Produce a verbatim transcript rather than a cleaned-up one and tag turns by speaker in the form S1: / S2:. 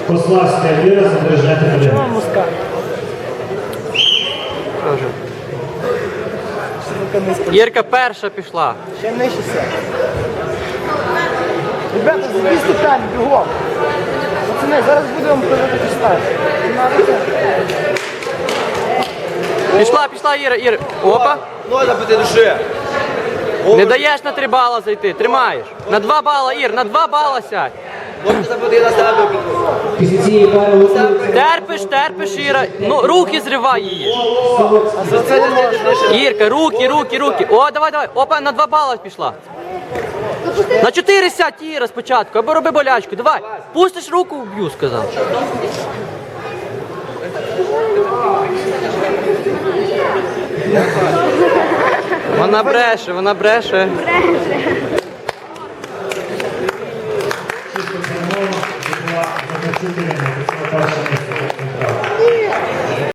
S1: Пославська Віра, Забережна Катерина.
S2: Чого муска?
S3: Ірка перша пішла.
S2: Ще нижче все. Ребята, забій ступені, бігом. Пацани, зараз будемо проводити старт.
S3: Пішла, пішла Іра, Іра. Опа.
S4: Ноль набити душі.
S3: Не даєш на три бала зайти, тримаєш. На два бала, Ір, на два бала сядь.
S4: Можна забити на себе.
S1: Після цієї пари готується
S3: Терпиш, терпиш, Іра. Ну, руки зривай її.
S4: За це не знайдеш.
S3: Ірка, руки, руки, руки. О, давай, давай. Опа, на два бала пішла. На чотири сядь, Іра, спочатку, або роби болячку. Давай. Пустиш руку, вб'ю, сказав. Вона бреше, вона бреше.
S1: чисто перемога, була Захарчук Ірина, прийшла перше місце.